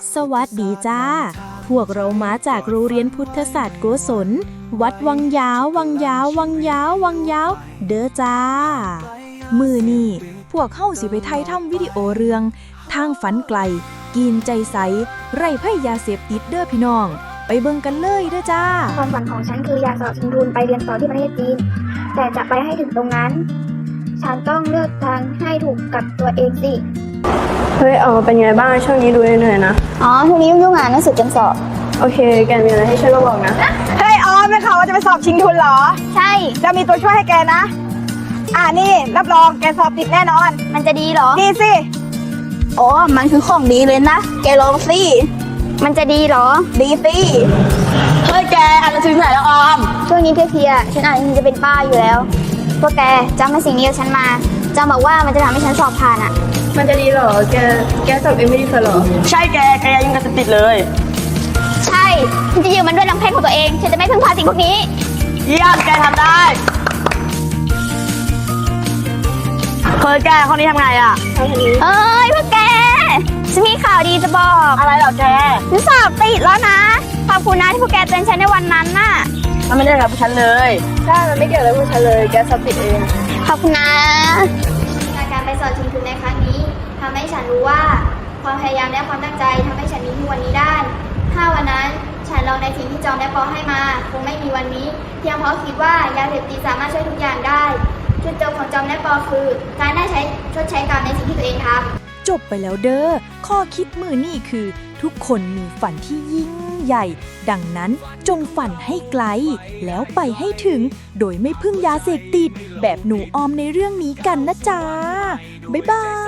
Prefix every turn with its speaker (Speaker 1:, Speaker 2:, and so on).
Speaker 1: สวัสดีจ้าพวกเรามาจากโรงเรียนพุทธศาสตร์โกศลวัดวังยาววังยาววังยาววังยาวเด้อจ้ามือนี่พวกเข้าสิไปไทยทำวิดีโอเรื่องทางฝันไกลกินใจใสไร้ไพ่ยาเสพติดเด้อพี่น้องไปเบิ่งกันเลยเด้อจ้า
Speaker 2: ความฝันของฉันคืออยากสอบชิงทุนไปเรียนต่อที่ประเทศจีนแต่จะไปให้ถึงตรงนั้น ฉันต้องเลือกทางให้ถูกกับตัวเองสิ
Speaker 3: เฮ้ยเป็นไงบ้างช่วงนี้ดูเหนื่อยๆนะ
Speaker 2: ช่วงนี้ยุ่งงานหนังสือจนสอบ
Speaker 3: โอเคแกมีอะไรให้ช่วยก็บอกนะ
Speaker 4: เฮ้ยไม่ข่าวว่าจะไปสอบชิงทุนเหรอ
Speaker 2: ใช่
Speaker 4: จะมีตัวช่วยให้แกนะนี่รับรองแกสอบติดแน่นอน
Speaker 2: มันจะดีเหรอ
Speaker 4: ดีสิ
Speaker 2: มันคือของดีเลยนะแกลองสิมันจะดีเหรอ
Speaker 4: ดีสิ
Speaker 3: เฮ้ยแกอ่านหนังสือไหนแล้ว
Speaker 2: ช่วงนี้เพลียๆฉันอ่านฉันจะเป็นป้าอยู่แล้วพวกแกจำมาสิ่งนี้กับฉันมาจำบอกว่ามันจะทำให้ฉันสอบผ่านอ่ะ
Speaker 3: มันจะดีเหรอแกสอบเองไม่ดีเหรอใช่แกยังจะติดเลย
Speaker 2: ใช่ฉันจะยืมมันด้วยลำแข้งของตัวเองฉันจะไม่พึ่งพาสิ่งพวกนี้
Speaker 3: เยี่ยมแกทำได้เคยแกข้อนี้ทำไงอ่ะ
Speaker 2: พวกแกฉันมีข่าวดีจะบอก
Speaker 3: อะไรเหรอแก
Speaker 2: ฉันสอบติดแล้วนะขอบคุณนะที่พวกแกเตือนฉันในวันนั้นน่ะ
Speaker 3: มันไม่ได้กับฉันเลยใช่มันไม่เกี่ยวกับฉันเลยแกสอบติดเอง
Speaker 2: ขอบคุณนะการไปสอบชิงทุนในครั้งนี้ทำให้ฉันรู้ว่าความพยายามและความตั้งใจทำให้ฉันมีทุกวันนี้ได้ถ้าวันนั้นฉันลองในสิ่งที่จอมและปอให้มาคงไม่มีวันนี้เพียงเพราะคิดว่ายาเสพติดสามารถช่วยทุกอย่างได้จุดจบของจอมและปอคือการได้ชดใช้กรรมในสิ่งที่ตัวเองทำ
Speaker 1: จบไปแล้วเด้อข้อคิดมือนี่คือทุกคนมีฝันที่ยิ่งใหญ่ดังนั้นจงฝันให้ไกลแล้วไปให้ถึงโดยไม่พึ่งยาเสพติดแบบหนูออมในเรื่องนี้กันนะจ๊ะบ๊ายบาย